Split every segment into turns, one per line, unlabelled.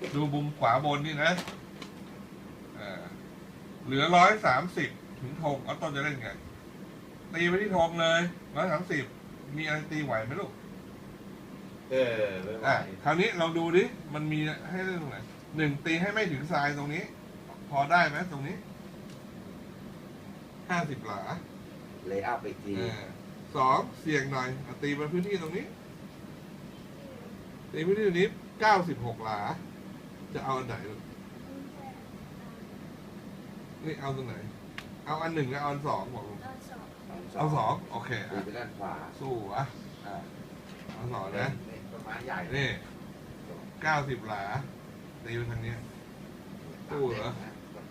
ดูมุมขวาบนนี่นะเหลือ130ถึงธงเอาต้นจะเล่นไงตีไปที่ธงเลย130มีอะไรตีไหวไหมลูก
ไม่ไหว
คราวนี้ลองดูดิมันมีให้เล่นตรงไหน1ตีให้ไม่ถึงทรายตรงนี้ พอได้ไหมตรงนี้50 หลา
เลยอัพอีกที
2เสี่ยงหน่อยตีไปพื้นที่ตรงนี้ตีพื้นที่ตรงนี้96 หลาจะเอาอันไหนลูกนี่เอาตรงไหนเอาอัน 1กับเอาอัน 2บอกลูกเอา 2โอเค
ตีไปด้านขวา
สู้เอา2นะ
ต้นไม้ใหญ่
นี่90 หลาตีไปทางนี้สู้เหรอ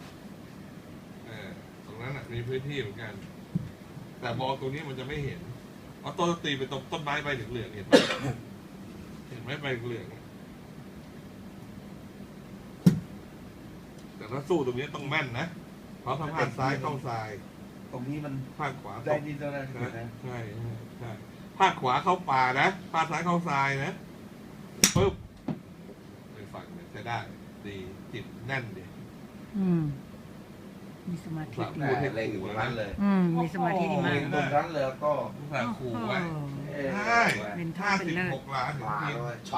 ตรงนั้นมีพื้นที่เหมือนกันแต่บอลตรงนี้มันจะไม่เห็นเอาต้นตีไปตรงต้นไม้ใบเหลืองๆเห็นไหมเห็นไหมใบเหลืองแต่ถ้าสู้ตรงนี้ต้องแม่นนะเพราะถ้าพลาดซ้ายเข้าซ้าย
ตรงนี้มัน
พลาดขวา
ได้ดีตรงนั้น
ใช่พลาดขวาเข้าป่านะพลาดซ้ายเข้าซ้ายนะปึ๊บไปฝั่งเนี่ยใช้ได้ดีจิตแน่นดี
มีสมาธิดี
เล่นอยู่ตรงนั้นเลย
มีสมาธิดีมาก
ตรงนั้นเลยก็
ผู้สาขู่ไว้
เป็นท่าเป็นเลิศ
56 ล้านถึงที